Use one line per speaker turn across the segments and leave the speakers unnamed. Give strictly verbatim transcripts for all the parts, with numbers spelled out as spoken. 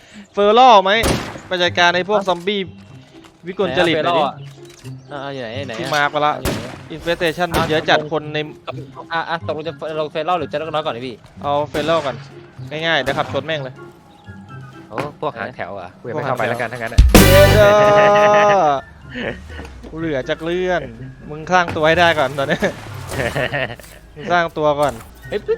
เฟอร์ล่อไหมไปจัดการในพวกซอมบี้วิกลจริตหน่อยดิ
อ่าอยู่ไหนไหน
ที่มาไปละอินเฟสเทชันมันเยอะจัดคนใน
อ่ะอ่ะตกลงจะลงเฟรล่อหรือจะน้อยก่อนดิพี่
เอาเฟอร์ล่อก่อนง่ายๆเดี๋ยวขับชนแม่งเลย
โอ้พวกหางแถวอ่ะกูยัง
พวก
ไม่
หาง
เข้าไป
แถว
แล้วกันทั้งนั้น
เย้เด้อกูเหลือจากเลื่อนมึงสร้างตัวให้ได้ก่อนตอนนี้มึงสร้างตัวก่อน
เฮ้ย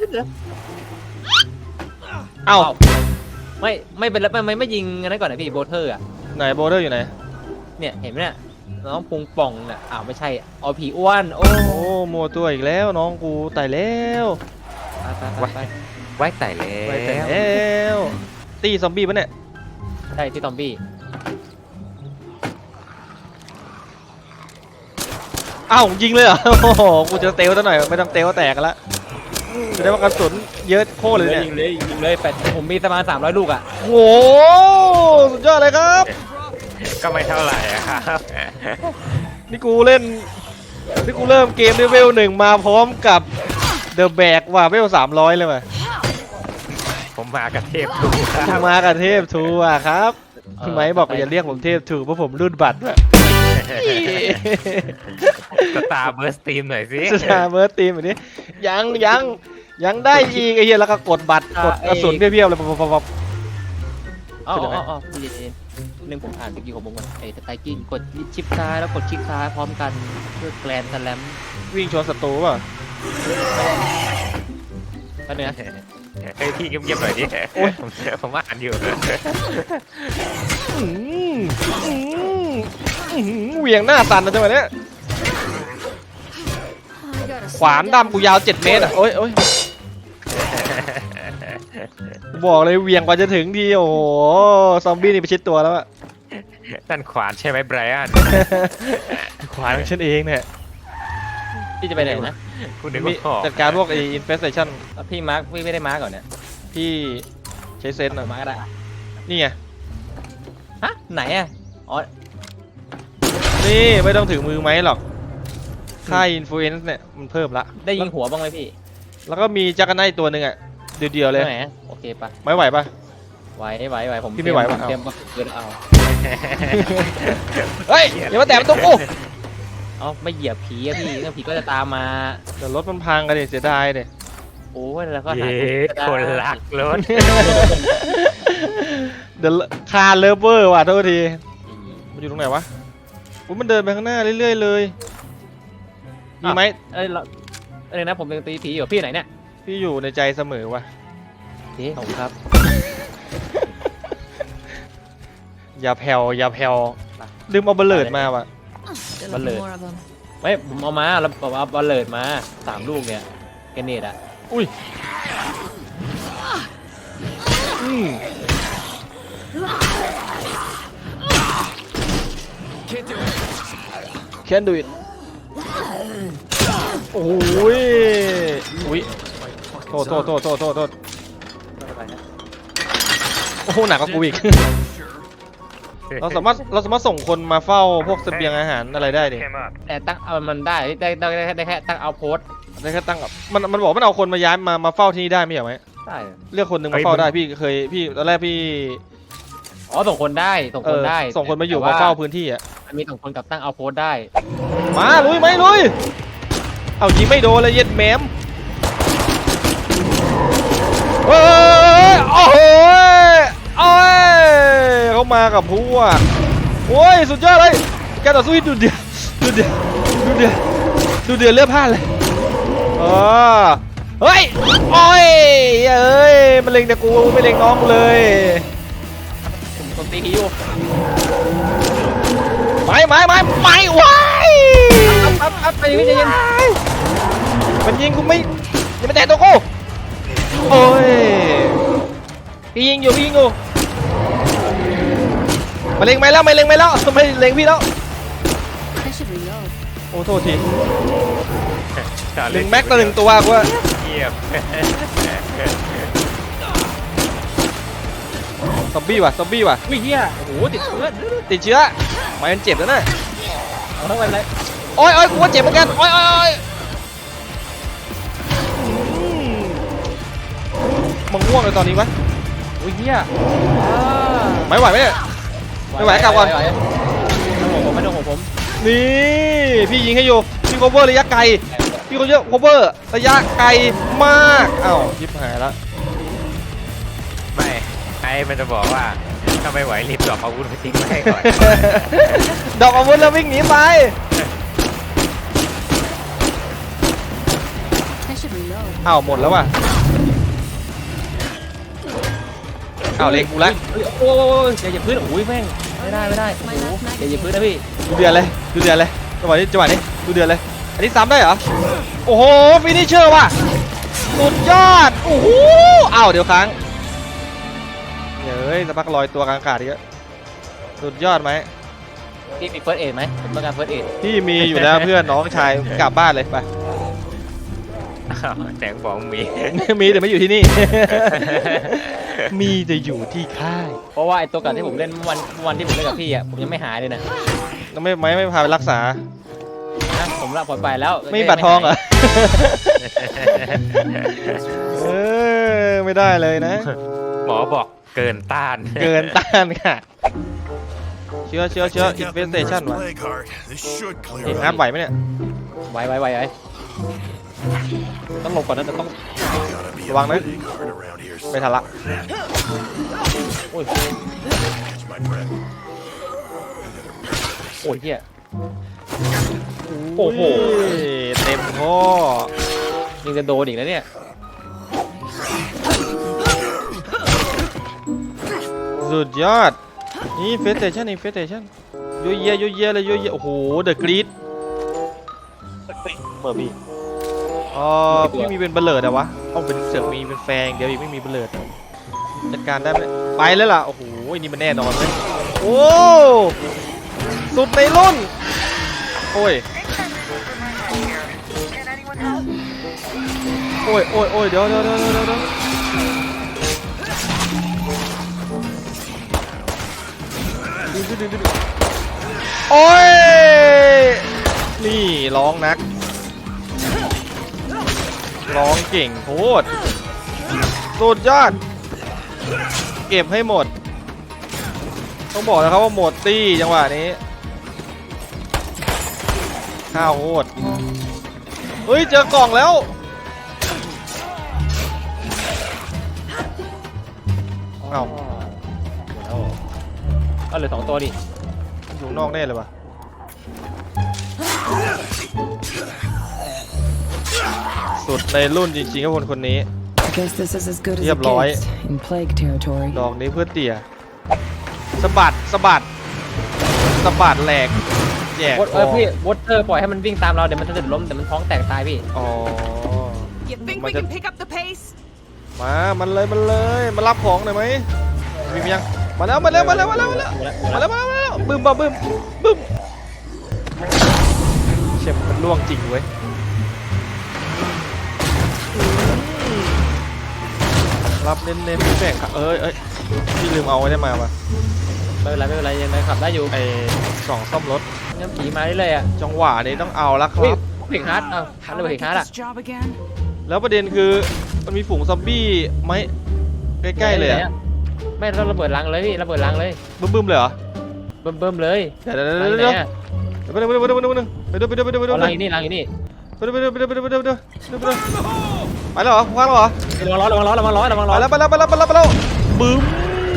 เอ้า
ไม่ไม่เป็นแล้วไม่ไม่ยิงอันนั้นก่อนนะพี่โบเทอร์อ่ะ
ไหนโบเดอร์อยู่ไหน
เนี่ยเห็นไหมเนี่ยน้องพุงป่องเนี่ยอ้าวไม่ใช่เอาผีอ้วนโอ้
โอ้โมวตัวอีกแล้วน้องกูตายแล้ว
ไปไปไป
ไว้ไต่แล้
ไปแต่แล้วตีซอมบี้ปะเนี่ย
ใช่ที่ตอมบี้
เอ้ายิงเลยเหรอโอ้โหกูจะเตลซะหน่อยไม่ต้องเตลแตกกันละจะได้ว่ากระสุนเยอะโคตรเลยเนี่ย
ยิงเลยยิงเลยแปดผมมีประมาณสามร้อยลูกอ่ะ
โอ้โหสุดยอดเลยครับ
ก็ไม่เท่าไหร่อะครับ
นี่กูเล่นนี่กูเริ่มเกมด้วยเวลหนึ่งมาพร้อมกับเดอะแบกว่ะเวลสามร้อยเลยว่ะ
ผมมากับเทพทูค
มึ
รั
ง
บ
มากับเทพทูอ่ะครับคุณไหมบอกว่าอย่าเรียกผมเทพทูเพราะผมรุ่นบัตรว่ะ
สตาร์เบอร์สตีมหน่อยสิ
สตาร์เบิร์ดทีมแบบนี้ยังยังยังได้อีกไอ้เหี้ยแล้วก็กดบัตรกดกระสุนเพี้ยวๆเลยปั๊บปั๊บ
อ๋ออ๋ออ๋อพี่เจนหนึ่งผมอ่านเมื่อกี้ของผมก่อนไอ้ไตกิ้งกดชิปซ้ายแล้วกดคลิกซ้ายพร้อมกันเพื่อแกลนสแลม
วิ่งชนศัตรูป่ะ
ก็เนี่ย
เฮ้ยพี่เงียบๆหน่อยดิผมผมอ่านอยู่
อื้อหืออื้อหือเหวี่ยงหน้าสั่นนะจังหวะเนี้ยขวานดำกูยาวเจ็ดเมตรอ่ะโอ้ยโอ้ยบอกเลยเหวี่ยงกว่าจะถึงทีโอ้โหซอมบี้นี่ไปชิดตัวแล้วอะ
นั่นขวานใช่ไหมไบรอัน
ขวานของฉันเองเนี่ย
พี่จะไปไหนนะ
คุณนึก
มี
ว่าขอบ
จัดการพวกไอ้อินเฟสเทชัน
พี่มาร์คพี่ไม่ได้มาร์คก่อนเนี่ย
พี่ใช้เซนส์
เอา
อะ
มาร์คก็ได้
นี่ไง
ฮะไหนอ่ะอ๋อ
นี่ไม่ต้องถึงมือไหมหรอกค่าอินฟลูเอนซ์เนี่ยมันเพิ่มละ
ได้ยิงหัวบ้างไหมพี่
แล้วก็มีจักรไนท์ตัวหนึ่งอะเดียวๆเลย
ไหนอะโอเคปะ
ไม่ไหวปะ
ไหวไหวไหวผม
พี่ไม่ไหวว่ะ
เตรียมเกินเอา
เฮ้ยอย่ามาแตะประตูกู
เอาไม่เหยียบผีอะพี่ถ้าผีก็จะตามมา
เดี๋ยวรถมันพังกันดิเสียดายดิ
โอ้ยแล้วก็หา
เย้คนรักรถ
เดี๋ยวคาร์เลเวอร์ว่ะโทษทีมันอยู่ตรงไหนวะอุ๊ยมันเดินไปข้างหน้าเรื่อยๆเลยมีไหม
เอ้ยเราเอ้ยนะผมยังตีผีอยู่พี่ไหนเนี่ย
พี่อยู่ในใจเสมอว่ะ
พี่ขอบคุณครับ
อย่าแผ่วอย่าแผ่วลืมเอาเบลเลดมาว่ะ
Still
Bật
looking
lửa.
more of them.
ไม่ผมเอามาแล้วผมเอาบอลเลิดมาสามลูกเนี่ยเกรเนตอะ
อุ้ยอืมแคนดูอิทโอ้ยอุ้ยโทษโทษโทษโทษโทษโทษโอ้โหหนักกว่ากูอีก เราสามารถเราสามารถส่งคนมาเฝ้าพวกเสบียงอาหารอะไรได้ดิ
แต่ตั้งเอามันได้ได้ได้ได้ได้แค่ตั้งเอาโพสต์
ได้แค่ตั้งกับมันมันบอกมันเอาคนมาย้ายมามาเฝ้าที่นี่ได้ไม่ใช่ไหม
ได้
เลือกคนหนึ่งมาเฝ้าได้พี่เคยพี่ตอนแรกพี่
อ๋อส่งคนได้ส่ง
เอ
คน
อ
ได้
ส่งคนมาอยู่
แต่
มา
ว่
เฝ้าพื้นที่อ่ะ
มันมีส่งคนกับตั้งเอาโพสต์ได้
มาลุยไหมลุยเอายิงไม่โดนเลยเย็ดแหมมเฮ้ยโอ้โหโอ้ยเขามากับพวกโอ้ยสุดยอดเลยการต่อสู้ที่ดูเดือดดูเดือดดูเดือดดูเดือดเลือดพลาดเลยอ๋อเฮ้ยโอ้ยเอ้ยมันเล็งแต่กูไม่เล็งน้องกูเลย
ผมผมตีผีอยู่
ไม่ไม่ไม่ไม่ว้าย
ครับครับไปพี่ใจเย็น
มันยิงกูไม่อย่ามาแตะตัวกูโอ้ยพี่ยิงอยู่พี่ยิงอยู่มาเล็งไม่แล้วไม่เล็งไม่แล้วไม่เล็งพี่แล้ว
I should reload.
โอ้โทษทีหนึ่งแม็กต่อหนึ่งตัวกูว่า
เงียบ
ซอมบี้ว่ะซอมบี้ว่ะ
วิ่งเฮียโอ้โหติดเชื้อ
ติดเชื้อไม่มันเจ็บแล้วนะ
เอาทั้งวันเลย
โอ้ยโอ้ยกูว่าเจ็บเหมือนกันโอ้ยโอ้ยโอ้ยอืมมึงง่วงเลยตอนนี้วะ
อุ้ยเฮีย
ไม่ไหวไหมเนี่ย ไม่ไหวกลับก่อน
ต้องหัวผมไม่ต้องหัวผม
นี่พี่ยิงให้อยู่พี่ cover ระยะไกลพี่เขาเยอะ cover ระยะไกลมากอ้าวยิบหายแล้ว
ไม่ไอ้มันจะบอกว่าถ้าไม่ไหวรีบดรอปอาวุธไปทิ้งไว้ให้ก่อน
ดอกอาวุธแล้ววิ่งหนีไป
I should reload.
อ้าวหมดแล้วว่ะอ้าวเล็งกูแล้ว
เฮ้ยโอ้ยอย่าอย่าพื้นโอ้ยแม่งไม่ได้ไม่ได้โอ้โหอย่าอย่าพื้นนะพี่
ดูเดือดเลยดูเดือดเลยจังหวะนี้จังหวะนี้ดูเดือดเลยอันนี้ซ้ำได้เหรอโอ้โหฟินิชเชอร์ว่ะสุดยอดโอ้โหอ้าวเดี๋ยวค้างเฮ้ยสักพักลอยตัวกลางอากาศอีกแล้วสุดยอดไหม
พี่มีเฟิร์สเอ็ดไหมผมต้องการเฟิร์สเอ็ด
พี่มีอยู่แล้ว เพื่อนน้องชายกลับบ้านเลยไป
อ้าวแสงบอกมี
มีแต่ไม่อยู่ที่นี่ มีแต่อยู่ที่ค่าย
เพราะว่าไอ้ตัวก่อนที่ผมเล่นวันวันที่ผมเล่นกับพี่อ่ะผมยังไม่หายเลยนะ
แล้วไม่ไม่ไม่พาไปรักษา
นะผมละปล่อยไปแล้ว
ไม่มีบัตรทองเหรอ เออไม่ได้เลยนะ
หมอบอกเกินต้าน
เกินต้านค่ะ เชื้อเชื้อเชื้ออินเวสเทชันวะ
This should
เห็น
clear
งาน
up.
ไหวไหมเนี่ย
ไวไวไวไวต้องหลบก่อนนะแต่ต้อง
Gotta be a
Vâng đấy.
big heart around here.
ไม่ทันละ
โอ้ย
Catch my breath.
โอ้ยเฮีย โอ้โห
เต็มข้อ
ยังจะโดนอีกแล้วเนี่ย
สุดยอด นี่เฟสเทชันนี่เฟสเทชันโยเยโยเยเลยโยเยโอ้โหเดอะกรีดเบอร์บี้อ๋อพี่มีเป็นเบลเลอร์แต่วะต้องเป็นเสือกมีเป็นแฟงเดี๋ยวอีกไม่มีเบลเลอร์จัดการได้ไหมไปแล้วล่ะโอ้โหนี่มันแน่นอนเลยโอ้สุดในรุ่นโอ้ยโอ้ยโอ้ยโอ้ยเดี๋ยวเดี๋ยวเดี๋ยวเดี๋ยวเดี๋ยวดึงดึงดึงดึงโอ้ยนี่ร้องนักร้องเก่งโคตรสุดยอดเก็บให้หมดต้องบอกนะครับว่าหมดตี้จังหวะนี้ข้าวโคตรเฮ้ยเจอกล่องแล้วเอ้า
เอาเหลือสองตัวดิ
อยู่นอกแน่เลยว่ะสุดในรุ่นจริงๆครับคนคนนี้
I guess this is as good as it
Yep, Lloyd.
gets in plague territory.
ดอกนี้เพื่อเตี่ยสะบัดสะบัดสะบัดแหลกแจก
วอเออพี่วอเตอร์ปล่อยให้มันวิ่งตามเราเดี๋ยวมันจะเดือดล้มเดี๋ยวมันท้องแตกตายพี่
อ๋อ
You think
Mà
we
cái-
can pick up the pace?
มามันเลยมันเลยมารับของหน่อยไหมมีมั้ยยังมาแล้วมาแล้วมาแล้วมาแล้วมาแล้วมาแล้วมาแล้วมาแล้วบึ้มบ้าบึ้มบึ้มเชี่ยมันล่วงจริงเว้ยรับเน้นๆแบ่งค่ะเอ้ยเอ้ยพี่ลืมเอาไว้ได้มาว่ะ
ไม่เป็นไรไม่เป็นไรยังไงขับได้อยู่
ไอ้สองซ่อมรถ
ยังผีมาเรื่อยๆอ่ะ
จังหวะนี้ต้องเอาละค
เฮ้ย
รับ
เพลงฮาร์ดเอ้าฮาร์ดเลยเพลงฮาร์ดอ่ะ
job again?
แล้วประเด็นคือมันมีฝูงซอมบี้ไหมใกล้ๆเลยอะ
ไม่เราระเบิดรังเลยพี่ระเบิดรังเลย
บึ้มๆเลยเหรอ
เบิ่มเบิ่มเลย
เดี๋ยวเดี๋ยว
รัง
เดี๋ยว
ไหน
เดี๋ยว
อะ
ไปดูไปดูไปดูไปดูไปดูไปดูไปดูไปดูไปดู
เอารังอยู่นี่รังอยู่นี่
ไปดูไปดูไปดูไปดูไปดูไปดูไปดูไปแล้วเหรอคว้างแล้วเหรอ
ระวังร้อนระวังร้อนระวังร้อนระวังร้
ไป
อน
แล้วไปแล้วไปแล้วไปแล้วไปแล้วบึ้ม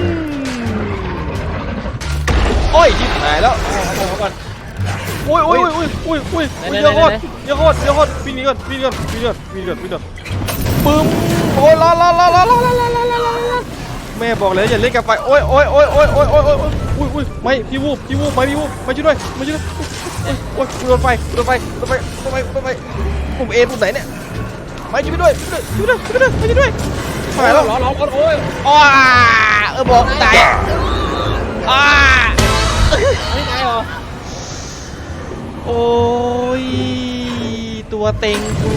โอ้ยยิบหายแล้ว
เอาก่อน
อุ้ยอุ้ยอุ้ยอุ้ยอุ้ย
ไหน
เยอะโคตร
ไหน
เยอะโคตรเยอะโคตรวิ่งหนีก่อนวิ่งหนีก่อนวิ่งหนีก่อนวิ่งหนีก่อนวิ่งหนีก่อนบึ้มโอ้ยรอรอรอรอรอรอรอรอรอแม่บอกเลยอย่าเล่นกับไฟโอ้ยโอ้ยโอ้ยโอ้ยโอ้ยโอ้ยโอ้ยอุ้ยอุ้ยไม่พี่วูบพี่วูบไม่พี่วูบไม่ช่วยด้วยไม่ช่วยด้วยโอ้ยโอ้ยโดนไฟโดนไฟโดนไฟโดนไฟโดนไฟปุ่มเอปุ่มไหนเนี่ยไม่ช่วยด้วยช่วยด้วยช่วยด้วยช่วยด้วยไม่ช่วยด้วยหายแล้ว
ร้อนร้อนร้อนโอ้ย
อ้าเออบอกตายอ้า
ไม่ตายเหรอ
โอ้ยตัวเต็งกู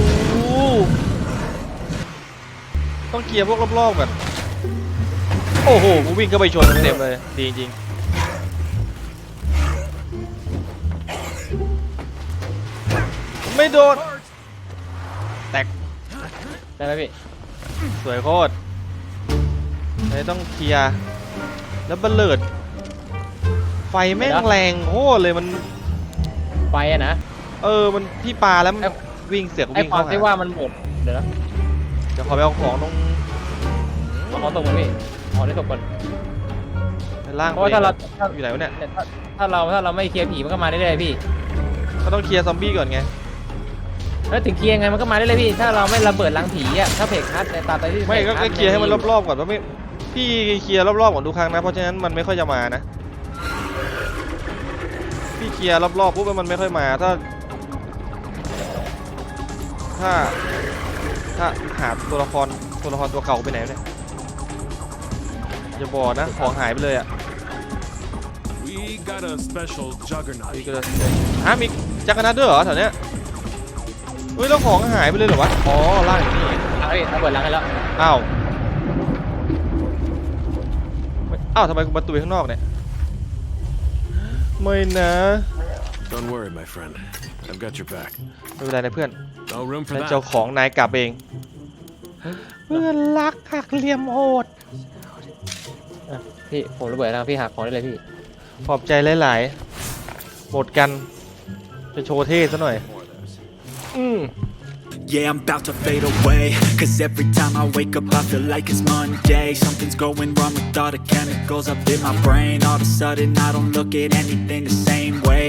ต้องเคลียร์พวกรอบๆก่อนโอ้โหกูวิ่งเข้าไปชนเต็มเลยดีจริงไม่โดนแตก
ได้ไหมพี่
สวยโคตรเลยต้องเคลียร์แล้วบัลเลิดไฟแม่งแรงโคตรเลยมัน
ไฟอะนะ
เออมันพี่ปลาแล้วมัน
ไอ้
วิ่งเสือก
ไอ้
วิ่ง
ควา
เข้าม
ที่
หา
ว่ามันหมดเดี๋ยวนะ
เดี๋ยวขอไปเอาของตรง
เอาของตกมาพี่เอาได้ตกก่อน
ล่าง
เพราะว่าถ้าเราถ้า
อยู่ไหนวะเนี่ย
ถ้าถ้าเราถ้าเราไม่เคลียร์ผีมันก็มาได้เลยๆพี่
ก็ต้องเคลียร์ซอมบี้ก่อนไง
แล้วถึงเคลียร์ไงมันก็มาได้เลยพี่ ถ้าเราไม่ระเบิดรังผีอ่ะถ้าเพจคัสในตาไปที่
ไม่ก็
พจ
ก็
คัส
เคลียร์ให้มันรอบๆก่อนว่าไม่พี่เคลียร์รอบๆก่อนทุกครั้งนะเพราะฉะนั้นมันไม่ค่อยจะมานะพี่เคลียร์รอบๆปุ๊บมันไม่ค่อยมาถ้า ถ้าถ้าหาตัวละครตัวละครตัวเก่าไปไหนเนี่ยอย่าบอกนะของหายไปเลยอ่ะ
We got a special
มี
juggernaut.
ก็จะอ่ะมีจักรนัดด้วยเหรอแถวเนี้ยเฮ้ยแล้วของหายไปเลยเหรอวะอ๋อล่างอยู่นี่
เอาพี่ระเบิดรังให้แล้ว
อ้าวไม่อ้าวทำไมกูประตูข้างนอกเนี่ยไม่นะ
Don't worry, my friend. I've got your back.
ไม่เป็นไรนะเพื่อน
No room for
แล้ว
that.
เจ้าของนายกลับเองเพื่อนรักหักเหลี่ยมโหด
อ่ะพี่ผมระเบิดรังพี่หักของได้เลยพี่
ขอบใจหลายๆหมดกันจะโชว์เท่ซะหน่อยอืม
Yeah, I'm about to fade away. Cause every time I wake up, I feel like it's Monday. Something's going wrong with all the chemicals up in my brain. All of a sudden, I don't look at anything the same way.